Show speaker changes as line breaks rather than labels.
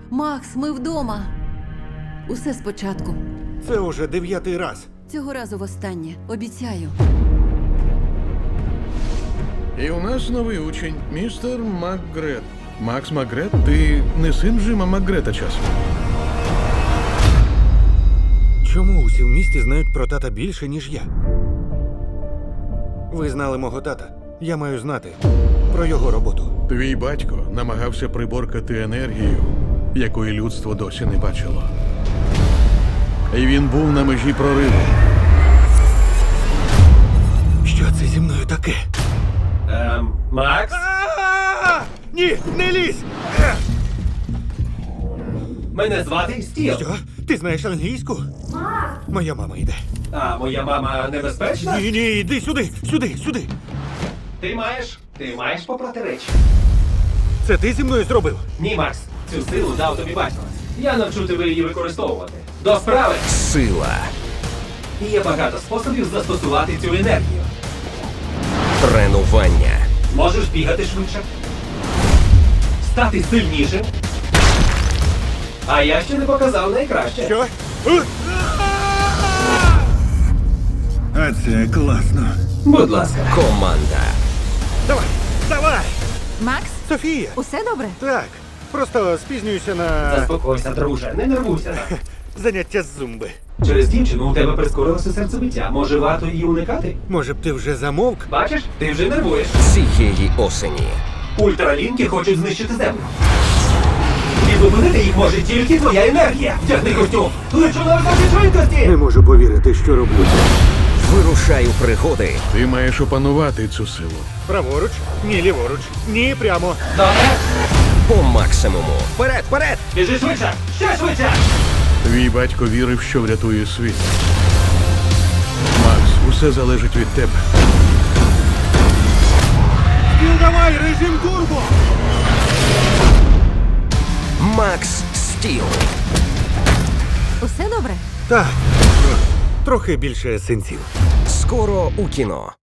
Макс, ми вдома. Усе спочатку.
Це уже 9-й раз.
Цього разу востаннє. Обіцяю.
І у нас новий учень, містер Макгрет. Макс Макгрет, ти не син Джима Макгрета часом?
Чому усі в місті знають про тата більше, ніж я? Ви знали мого тата. Я маю знати про його роботу.
Твій батько намагався приборкати енергію, якої людство досі не бачило. І він був на межі прориву.
Що це зі мною таке?
Макс?
Ні, не лізь!
Мене звати Стіл.
Що? Ти знаєш англійську? Моя мама йде.
А моя мама небезпечна?
Ні, йди сюди, сюди.
Ти маєш попрати речі.
Це ти зі мною зробив?
Ні, Макс, цю силу дав тобі батько. Я навчу тебе її використовувати. До справи!
Сила.
І є багато способів застосувати цю енергію.
Тренування.
Можеш бігати швидше, стати сильнішим. А я ще не показав найкраще.
Що? А це класно.
Будь ласка.
Команда.
Давай!
Макс,
Софія!
усе добре?
Так, просто спізнююся на
Заспокойся, друже, не нервуйся так.
заняття з зумби.
Через дівчину у тебе прискорилося серцебиття. Може, варто її уникати?
Може б ти вже замовк?
Бачиш, ти вже нервуєш.
Цієї осені.
Ультралінки хочуть знищити землю. І зупинити їх може тільки твоя енергія. Вдягни костюм. Лечу на високій швидкості.
Не можу повірити, що роблю це.
Вирушаю пригоди.
Ти маєш опанувати цю силу.
Праворуч, ні ліворуч, ні прямо.
Добре.
По максимуму. Вперед, вперед!
Біжи швидше. Ще швидше.
Твій батько вірив, що врятує світ. Макс, усе залежить від тебе.
Давай, режим турбо!
Макс Стіл.
Усе добре?
Так, трохи більше синців.
Скоро у кіно.